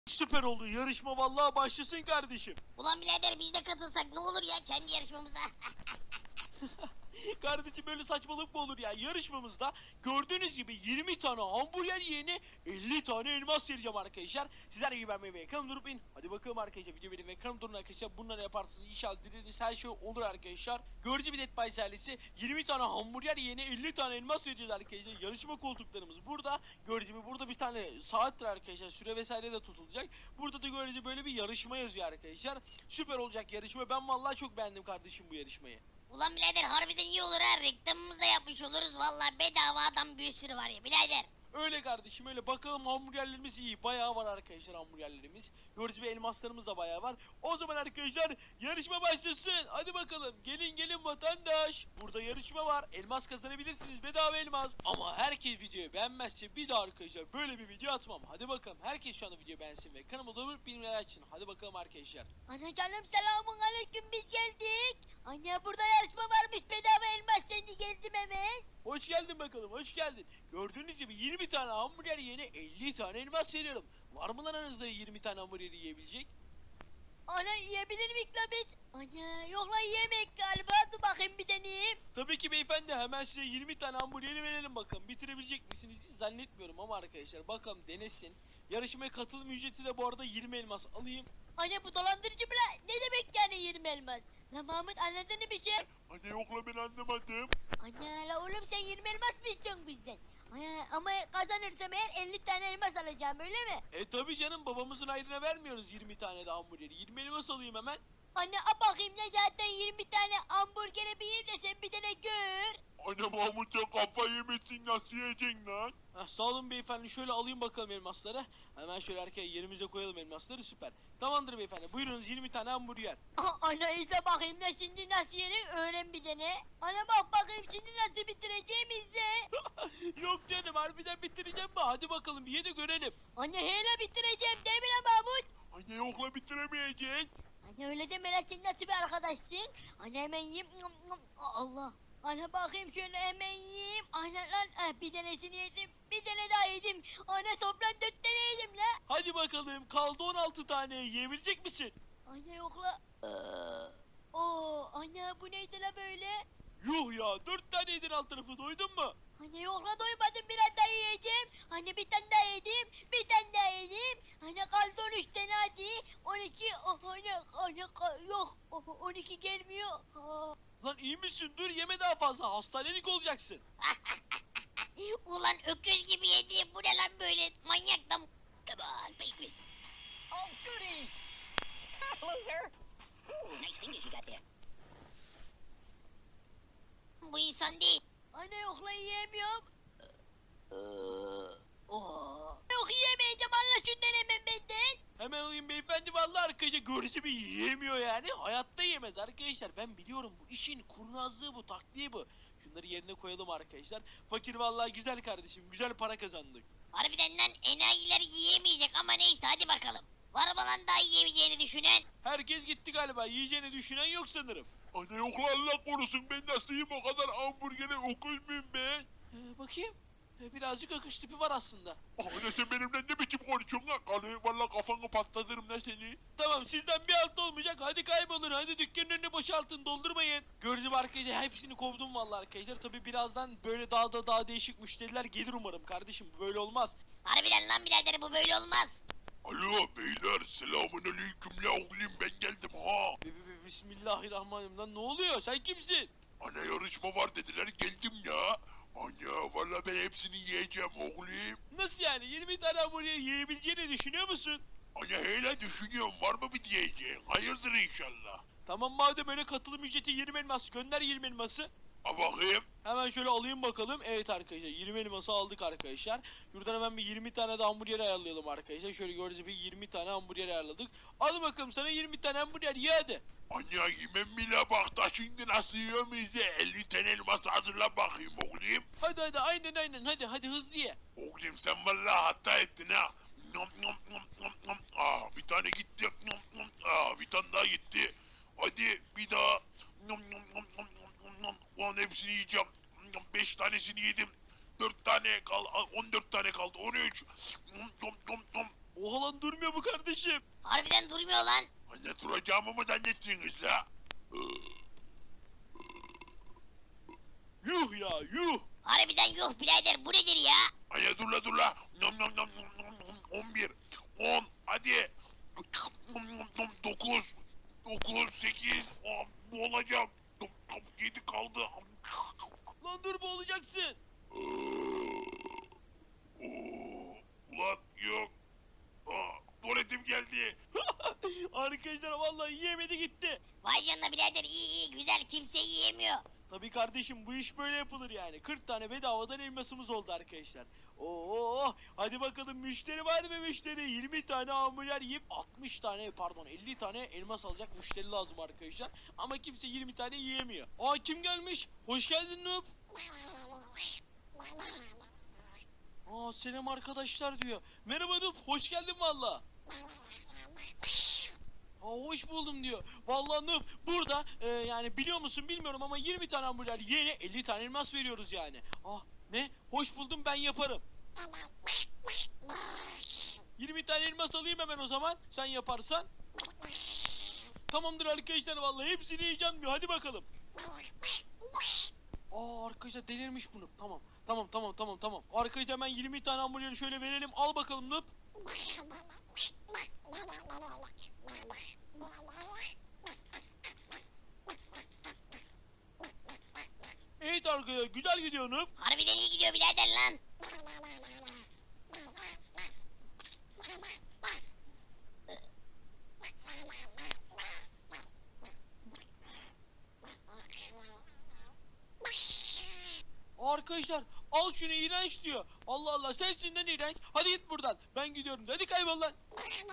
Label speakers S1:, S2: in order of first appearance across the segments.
S1: Süper oldu. Yarışma vallahi başlasın kardeşim.
S2: Ulan birader biz de katılsak ne olur ya kendi yarışmamıza.
S1: Kardeşim böyle saçmalık mı olur ya? Yarışmamızda gördüğünüz gibi 20 tane hamburger yiyene 50 tane elmas vereceğim arkadaşlar. Sizler gibi beğenmeyi ve ekranı durup in. Hadi bakalım arkadaşlar, video benim ekranı durun arkadaşlar. Bunları yaparsınız inşallah, dilediğiniz her şey olur arkadaşlar. Görücü bir Dead by ailesi 20 tane hamburger yiyene 50 tane elmas vereceğiz arkadaşlar. Yarışma koltuklarımız burada. Görücü gibi burada bir tane saattir arkadaşlar, süre vesaire de tutulacak. Burada da görücü böyle bir yarışma yazıyor arkadaşlar. Süper olacak yarışma. Ben vallahi çok beğendim kardeşim bu yarışmayı.
S2: Ulan birader harbiden iyi olur ha, reklamımızı da yapmış oluruz. Vallahi bedava adam bir sürü var ya birader.
S1: Öyle kardeşim öyle. Bakalım, hamburgerlerimiz iyi. Bayağı var arkadaşlar hamburgerlerimiz. Gördüğünüz gibi elmaslarımız da bayağı var. O zaman arkadaşlar yarışma başlasın. Hadi bakalım. Gelin vatandaş. Burada yarışma var. Elmas kazanabilirsiniz. Bedava elmas. Ama herkes videoyu beğenmezse bir daha arkadaşlar böyle bir video atmam. Hadi bakalım. Herkes şu anda videoyu beğensin ve kanalıma da abone bildirimleri açın. Hadi bakalım arkadaşlar.
S2: Ana canım selamun aleyküm, biz geldik. Anne burada yarışma varmış, bedava elmas, seni geldim hemen.
S1: Hoş geldin bakalım, hoş geldin. Gördüğünüz gibi 20 tane hamburger yiyene 50 tane elmas veriyorum. Var mı lan aranızda 20 tane hamburgeri yiyebilecek?
S2: Ana yiyebilir miyik la biz? Ana yok la yiyemek galiba, dur bakayım bir deneyeyim.
S1: Tabii ki beyefendi, hemen size 20 tane hamburgeri verelim bakalım. Bitirebilecek misiniz hiç zannetmiyorum ama arkadaşlar bakalım, denesin. Yarışmaya katılım ücreti de bu arada 20 elmas alayım.
S2: Anne bu dolandırıcı mı la? Ne demek yani 20 elmas? La Mahmut anladın mı bir şey?
S3: Anne yok la, ben anlamadım.
S2: Anne la oğlum sen 20 elmas mı istiyorsun bizden? Anne, ama kazanırsam eğer 50 tane elmas alacağım, öyle mi?
S1: Tabii canım, babamızın ayrına vermiyoruz 20 tane de hamburgeri. 20 elmas alayım hemen.
S2: Anne a bakayım ne, zaten 20 tane hamburgere bir yiyeyim de sen bir tane gör.
S3: Anne Mahmut, sen kafayı yemişsin, nasıl yiyeceksin lan?
S1: Sağ olun beyefendi, şöyle alayım bakalım elmasları. Hemen şöyle arkaya yerimize koyalım elmasları, süper. Tamamdır beyefendi, buyurunuz 20 tane hamburger.
S2: Aha, anne izle bakayım da şimdi nasıl yenir, öğren bir tane. Anne bak bakayım şimdi nasıl bitireceğim, izle.
S1: Yok canım, harbiden bitireceğim mi? Hadi bakalım bir ye de görelim.
S2: Anne hele bitireceğim değil mi lan Mahmut?
S3: Anne yok la, bitiremeyeceksin.
S2: Anne öyle deme lan, sen nasıl bir arkadaşsın? Anne hemen yiyeyim. Allah. Anne bakayım şöyle hemen yiyeyim. Anne lan bir tanesini yedim. Bir tane daha yedim. Anne toplam 4 tane yedim la.
S1: Hadi bakalım, kaldı 16 tane, yiyebilecek misin?
S2: Anne yok la. Oo, anne bu neydi la böyle?
S1: Yuh ya, 4 tane yedin, alt tarafı doydun mu?
S2: Anne yok la, doymadım, biraz daha yiyeceğim. Anne bir tane daha yedim. Bir tane daha yedim. Anne kaldı 13 tane, hadi. 12. Oh, anne yok. 12 gelmiyor.
S1: Lan iyi misin? Dur, yeme daha fazla, hastanelik olacaksın.
S2: Ulan öküz gibi yedim. Bu ne lan böyle? Manyak da.
S4: Oh, goody! Loser! Ooh, nice fingers you got there.
S2: Bu insan değil. Anne yok la, yiyemiyorum. Yok yiyemeyeceğim, Allah şundan hemen benden.
S1: Hemen alayım beyefendi, vallahi arkadaşlar görücü bir yiyemiyor yani. Hayatta yemez arkadaşlar, ben biliyorum bu işin kurnazlığı, bu taktiği bu. Şunları yerine koyalım arkadaşlar. Fakir vallahi güzel kardeşim, güzel para kazandık.
S2: Harbiden lan, enayiler yiyemeyecek ama neyse, hadi bakalım. Var mı lan daha yiyemeyeceğini düşünen?
S1: Herkes gitti galiba, yiyeceğini düşünen yok sanırım.
S3: Anne yok la, Allah korusun, ben nasıl yiyeyim o kadar hamburgeri, okuz muyum ben?
S1: Bakayım. Birazcık öküz tipi var aslında.
S3: Anne sen benimle ne biçim konuşuyorsun lan? Valla kafanı patlatırım lan seni.
S1: Tamam, sizden bir alt olmayacak, hadi kaybolun, hadi dükkanın önünü boşaltın, doldurmayın. Gördüğünüz arkadaşlar hepsini kovdum vallahi arkadaşlar. Tabi birazdan böyle daha değişik müşteriler gelir umarım kardeşim, böyle olmaz.
S2: Harbiden lan birader, bu böyle olmaz.
S3: Alo beyler, selamun aleyküm la oğlum, ben geldim ha.
S1: Bismillahirrahmanirrahim, lan ne oluyor, sen kimsin?
S3: Anne yarışma var dediler, geldim ya. Anne valla ben hepsini yiyeceğim oğlum.
S1: Nasıl yani, 20 tane hamburger yiyebileceğini düşünüyor musun?
S3: Anne hele düşünüyorum, var mı bir diyeceğin? Hayırdır inşallah.
S1: Tamam, madem öyle, katılım ücreti 20 elmas, gönder 20 elması.
S3: A bakayım.
S1: Hemen şöyle alayım bakalım. Evet arkadaşlar, 20 elması aldık arkadaşlar. Şuradan hemen bir 20 tane de hamburger ayarlayalım arkadaşlar. Şöyle gördüğünüz gibi 20 tane hamburger ayarladık. Al bakalım sana 20 tane hamburger, ye hadi.
S3: Anne yemem bile, bak da şimdi nasıl yiyorum, izle. 50 tane elmas hazırla bakayım oğlum.
S1: Hadi aynen hadi hızlı ye.
S3: Oğlum sen valla hata ettin ha. Nom nom nom nom nom. Bir tane gitti. Nom nom. Bir tane daha gitti. Hadi bir daha. Nom nom nom nom nom nom. Ulan hepsini yiyeceğim. 5 tanesini yedim. 4 tane kaldı. 14 tane kaldı. 13. Nom nom nom nom.
S1: Oha lan durmuyor bu kardeşim.
S4: Harbiden durmuyor lan.
S3: Anne duracağımı mı zannettiniz la?
S1: Yuh ya yuh.
S4: Harbiden yuh birader, bu nedir ya?
S3: Anne dur la. Nom nom nom nom nom nom. 11, 10, hadi. 9, 8, boğulacağım. 7 kaldı.
S1: Lan dur boğulacaksın.
S3: Ulan yok. Tuvaletim geldi.
S1: Arkadaşlar vallahi yiyemedi gitti.
S4: Vay canına birader, iyi güzel, kimse yiyemiyor.
S1: Tabii kardeşim bu iş böyle yapılır yani. 40 tane bedavadan elmasımız oldu arkadaşlar. Oo, hadi bakalım müşteri var mı müşteri? 20 tane hamburger yiyip 60 tane pardon 50 tane elmas alacak müşteri lazım arkadaşlar. Ama kimse 20 tane yiyemiyor. Aa kim gelmiş? Hoş geldin Noob. Aa selam arkadaşlar diyor. Merhaba Noob hoş geldin valla. Aa, hoş buldum diyor. Vallahi Noob burada yani biliyor musun bilmiyorum ama 20 tane hamburger yiyene 50 tane elmas veriyoruz yani. Ah ne? Hoş buldum ben yaparım. 20 tane elmas alayım hemen o zaman sen yaparsan. Tamamdır arkadaşlar vallahi hepsini yiyeceğim diyor hadi bakalım. Aa arkadaşlar delirmiş bunu. Tamam. Arkadaşlar hemen 20 tane hamburgeri şöyle verelim. Al bakalım Noob. Evet arkadaşlar güzel gidiyor Noob.
S4: Harbiden iyi gidiyor birader lan.
S1: Arkadaşlar al şunu iğrenç diyor. Allah Allah sensinden iğrenç. Hadi git buradan. Ben gidiyorum. Hadi kaybol lan.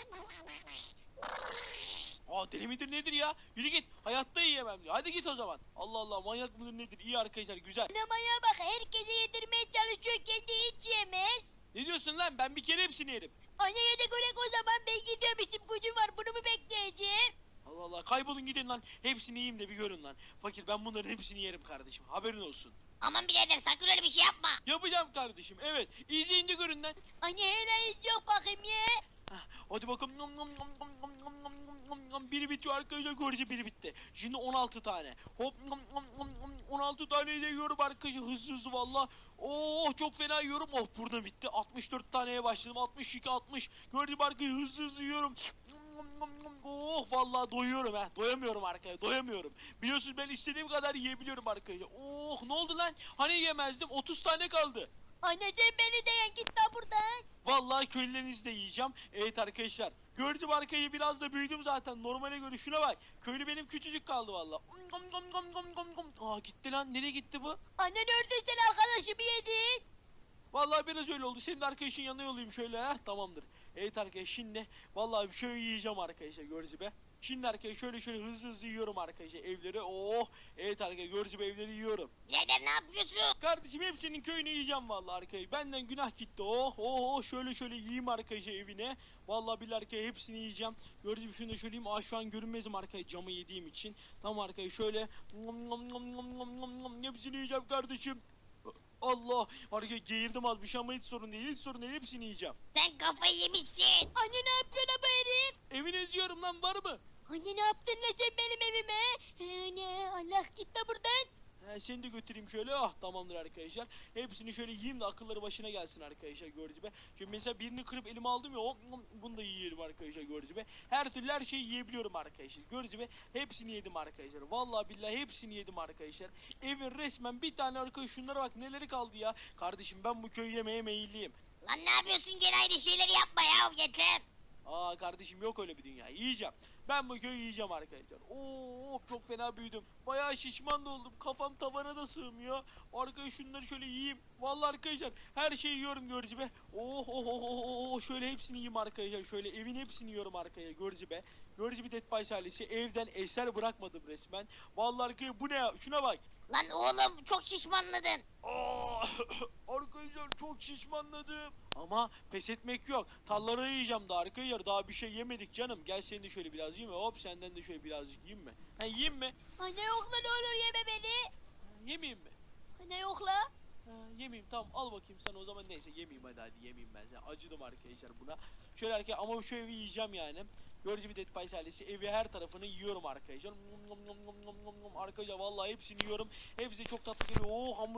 S1: Aa deli midir nedir ya? Yürü git. Hayatta yiyemem diyor. Hadi git o zaman. Allah Allah manyak mıdır nedir? İyi arkadaşlar güzel.
S2: Sinemaya bak, herkese yedirmeye çalışıyor, kendi hiç yemez.
S1: Ne diyorsun lan? Ben bir kere hepsini yerim.
S2: Anneye de göre o zaman ben gidiyorum, işim gücüm var, bunu mu bekleyeceğim?
S1: Allah Allah kaybolun gidin lan. Hepsini yiyeyim de bir görün lan. Fakir ben bunların hepsini yerim kardeşim. Haberin olsun.
S4: Aman birader, sakın öyle bir şey yapma.
S1: Yapacağım kardeşim. Evet. İzleyin de görün lan.
S2: Anne hele hiç yok bakayım ye.
S1: Heh, hadi bakalım. Nom nom nom nom nom nom nom nom nom nom. Biri bitiyor arkadaşlar. Görece biri bitti. Şimdi 16 tane. Hop nom nom nom nom. 16 tane de yiyorum arkadaşlar. Hızlı valla. Oh çok fena yiyorum. Oh burada bitti. 64 taneye başladım. 62 60. Gördüğüm arkadaşlar hızlı yiyorum. Nom nom nom. Oh vallahi doyuyorum ha. Doyamıyorum arkadaşlar. Doyamıyorum. Biliyorsunuz ben istediğim kadar yiyebiliyorum arkadaşlar. Oh ne oldu lan? Hani yemezdim? 30 tane kaldı.
S2: Anne sen beni de yen, git lan buradan.
S1: Vallahi köylülerinizi de yiyeceğim. Evet arkadaşlar. Gördüm arkayı biraz da büyüdüm zaten. Normale göre şuna bak. Köylü benim küçücük kaldı vallahi. Aa gitti lan. Nereye gitti bu?
S2: Anne gördün sen arkadaşımı yedin.
S1: Vallahi biraz öyle oldu. Senin arkadaşın yanına yollayayım şöyle ha. Tamamdır. Evet arkadaşlar şimdi vallahi şöyle yiyeceğim arkadaşlar gördünüz be. Şimdi arkadaşlar şöyle hızlı yiyorum arkadaşlar evleri. Oh evet arkadaşlar gördünüz evleri yiyorum.
S4: Birader ne yapıyorsun?
S1: Kardeşim hepsinin köyünü yiyeceğim vallahi arkadaşlar. Benden günah gitti. Oh şöyle yiyeyim arkadaşlar evine. Vallahi billahi arkadaşlar hepsini yiyeceğim. Gördüğünüz gibi şunu da şöyle yiyeyim. Aa şu an görünmezim arkadaşlar camı yediğim için. Tamam arkadaşlar şöyle hepsini yiyeceğim kardeşim. Allah arkadaşlar geğirdim az bir şey ama hiç sorun değil. Hiç sorun değil hepsini yiyeceğim.
S4: Sen kafayı yemişsin.
S2: Anne ne yapıyorsun bu herif?
S1: Evini eziyorum lan var mı?
S2: Anne ne yaptın lan sen benim evime? Anne Allah git lan buradan.
S1: He, seni de götüreyim şöyle. Ah tamamdır arkadaşlar. Hepsini şöyle yiyeyim de akılları başına gelsin arkadaşlar gördüğünüz gibi. Şimdi mesela birini kırıp elime aldım ya. Bunu da yiyelim arkadaşlar gördüğünüz gibi. Her türlü her şeyi yiyebiliyorum arkadaşlar. Gördüğünüz gibi hepsini yedim arkadaşlar. Vallahi billahi hepsini yedim arkadaşlar. Evin resmen bir tane arkadaş şunlara bak neleri kaldı ya. Kardeşim ben bu köyü yemeye meyilliyim.
S4: Lan ne yapıyorsun, gene aynı şeyleri yapma ya, yeter.
S1: Aa kardeşim yok öyle bir dünya. Yiyeceğim. Ben bu köyü yiyeceğim arkadaşlar. Oo çok fena büyüdüm. Bayağı şişman da oldum. Kafam tavana da sığmıyor. Arkadaşlar şunları şöyle yiyeyim. Vallahi arkadaşlar her şeyi yiyorum gördüğünüz gibi. Şöyle hepsini yiyeyim arkadaşlar. Şöyle evin hepsini yiyorum arkadaşlar gördüğünüz gibi. Gördüğünüz gibi Dead by Silence'i evden eser bırakmadım resmen. Vallahi arkadaşlar bu ne ya? Şuna bak.
S4: Lan oğlum çok şişmanladın.
S1: Aa, arkadaşlar çok şişmanladım. Ama pes etmek yok. Talları yiyeceğim daha arkadaşlar. Daha bir şey yemedik canım. Gel seni de şöyle biraz yiyeyim mi? Hop senden de şöyle birazcık yiyeyim mi? Ha yiyeyim mi?
S2: Anne yok lan, ne olur yeme beni.
S1: Yemeyeyim mi?
S2: Anne yok la.
S1: Yemeyeyim, tamam, al bakayım sen o zaman. Neyse yemeyeyim, hadi yemeyeyim ben sen. Acıdım arkadaşlar buna. Şöyle ama şu evi yiyeceğim yani. Gördüğünüz gibi Dead Pies ailesi evi her tarafını yiyorum arkadaşlar. Arkadaşlar vallahi hepsini yiyorum. Hepsi de çok tatlı geliyor.